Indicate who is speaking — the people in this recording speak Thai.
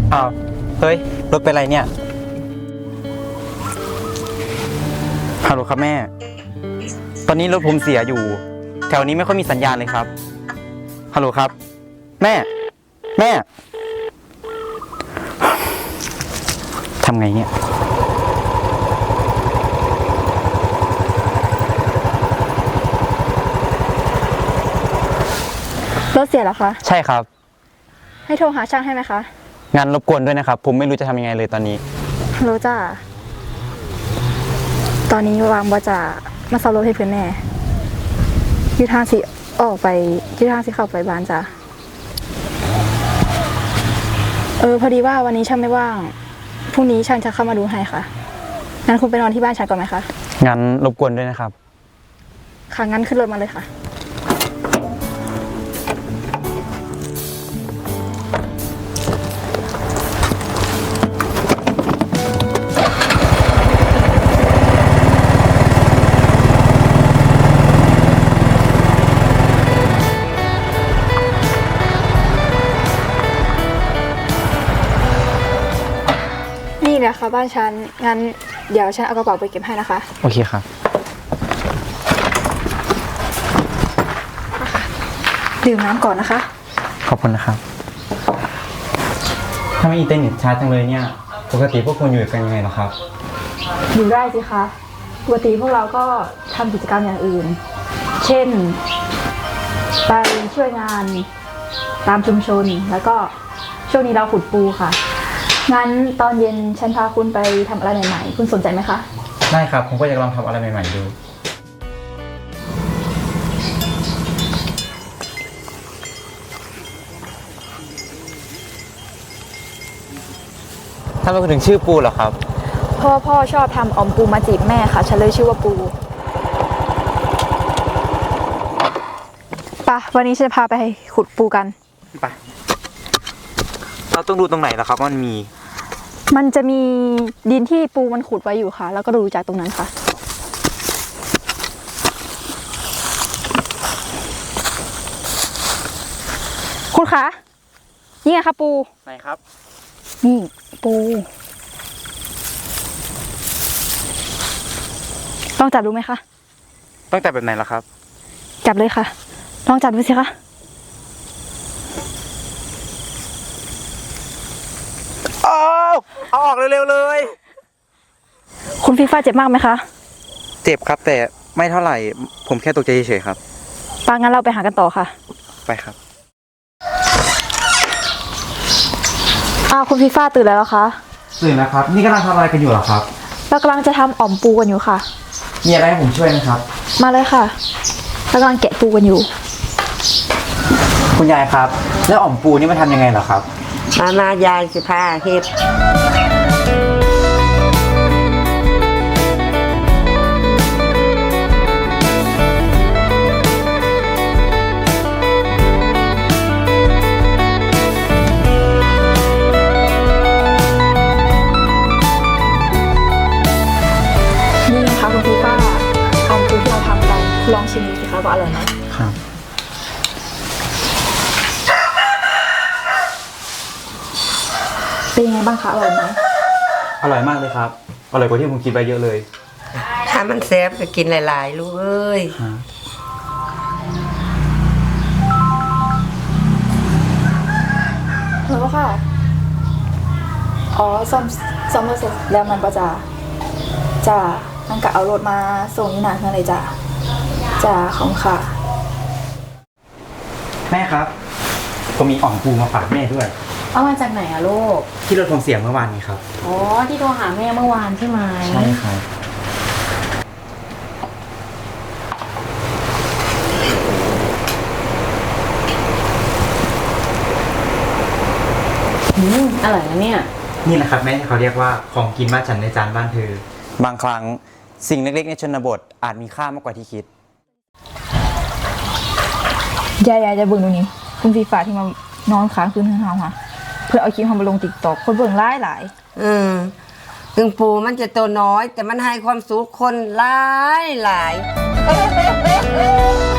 Speaker 1: อ้าวเฮ้ยรถเป็นไรเนี่ยฮัลโหลครับแม่ตอนนี้รถผมเสียอยู่แถวนี้ไม่ค่อยมีสัญญาณเลยครับฮัลโหลครับแม่ทำไงเนี่ย
Speaker 2: รถเสียเหรอคะ
Speaker 1: ใช่ครับ
Speaker 2: ให้โทรหาช่างให้ไหมคะ
Speaker 1: งานรบกวนด้วยนะครับผมไม่รู้จะทำยังไงเลยตอนนี้
Speaker 2: รู้จ้าตอนนี้วางว่าจะมาซ่อมรถให้เพื่อนแม่ยืดทางสิออกไปยืดทางสิเข้าไปบ้านจ้าพอดีว่าวันนี้ช่างไม่ว่างพรุ่งนี้ช่างจะเข้ามาดูให้ค่ะงั้นคุณไปนอนที่บ้านช่างก่อนไหมคะ
Speaker 1: งั้นรบกวนด้วยนะครับ
Speaker 2: ค่ะงั้นขึ้นรถมาเลยค่ะนี่แหละค่ะบ้านฉันงั้นเดี๋ยวฉันเอากระเป๋าไปเก็บให้นะคะ
Speaker 1: โอเคครับ
Speaker 2: ดื่มน้ำก่อนนะคะ
Speaker 1: ขอบคุณนะครับถ้าไม่อินเทอร์เน็ตช้าจังเลยเนี่ยปกติพวกคุณอยู่กันยังไงหรอครับ
Speaker 2: อยู่ได้สิคะปกติพวกเราก็ทำกิจกรรมอย่างอื่นเช่นไปช่วยงานตามชุมชนแล้วก็ช่วงนี้เราขุดปูค่ะงั้นตอนเย็นฉันพาคุณไปทำอะไรใหม่ๆคุณสนใจไหมคะ
Speaker 1: ได้ครับผมก็อยากลองทำอะไรใหม่ๆดูถ้าเป็นถึงชื่อปูเหรอครับ
Speaker 2: พ่อชอบทำออมปูมาจีบแม่ค่ะฉันเลยชื่อว่าปูปะวันนี้ฉันจะพาไปขุดปูกัน
Speaker 1: ไปเราต้องดูตรงไหนล่ะครับ
Speaker 2: มันจะมีดินที่ปูมันขุดไว้อยู่ค่ะแล้วก็ดูจากตรงนั้นค่ะคุณคะนี่ไงคะปู
Speaker 1: ไหนครับ
Speaker 2: นี่ปูลองจับดูไหมคะ
Speaker 1: ต้องจับแบบไหนล่ะครับ
Speaker 2: จับเลยค่ะลองจับดูสิคะ
Speaker 1: เอาออกเร็วๆเลย
Speaker 2: คุณฟีฟ่าเจ็บมากไหมคะ
Speaker 1: เจ็บครับแต่ไม่เท่าไหร่ผมแค่ตกใจเฉยๆครับ
Speaker 2: ปางั้นเราไปหากันต่อค่ะ
Speaker 1: ไปครับ
Speaker 2: คุณฟีฟ่าตื่นแล้วเหรอคะ
Speaker 1: ตื่นแล้วครับนี่กำลังทำอะไรกันอยู่เหรอครับ
Speaker 2: เรากำลังจะทำอ่อมปูกันอยู่ค่ะ
Speaker 1: มีอะไรให้ผมช่วยไหมครับ
Speaker 2: มาเลยค่ะเรากำลังแกะปูกันอยู่
Speaker 1: คุณยายครับแล้วอ่อมปูนี่มันทำยังไงเหรอครับ
Speaker 3: มายายสิพาเฮ็ด
Speaker 2: นี่นะคะคุณพี่ป้าอ่อมปูที่เราทำกันลองชิมดูสิคะว่าอร่อยไหม
Speaker 1: ครับ
Speaker 2: เป็นยังไงบ้างคะอร่อยไหม
Speaker 1: อร่อยมากเลยครับอร่อยกว่าที่ผมคิดไปเยอะเลย
Speaker 3: ถ้ามันแซ่บก็กินหลายๆลูกเอ้ย
Speaker 2: แล้วค่ะซ่อมรถเสร็จแล้วมันก็จะมันก็เอารถมาส่งที่หน้าเพื่อนเลยจ้าของค่ะ
Speaker 1: แม่ครับก็มีอ่อมปูมาฝากแม่ด้วย
Speaker 4: เอามาจากไหนอะลูก
Speaker 1: ที่รถผมเสียเมื่อวานนี้ครับ
Speaker 4: อ๋อที่โทรหาแม่เมื่อวานใช่ไหม
Speaker 1: ใช่ครับ
Speaker 4: อร่อยนะเนี่ย
Speaker 1: นี่แหละครับแม่เขาเรียกว่าของกินบ้านฉันในจานบ้านเธอบางครั้งสิ่งเล็กๆในชนบทอาจมีค่ามากกว่าที่คิด
Speaker 2: ยายจะเบิ่งตรงนี้คุณฟีฟ้าที่มานอนค้างคืนทั้งเฮาค่ะเพื่อเอาคลิปมาลง TikTok คนเบิ่งหลาย
Speaker 3: ถึงปูมันจะตัวน้อยแต่มันให้ความสุขคนหลาย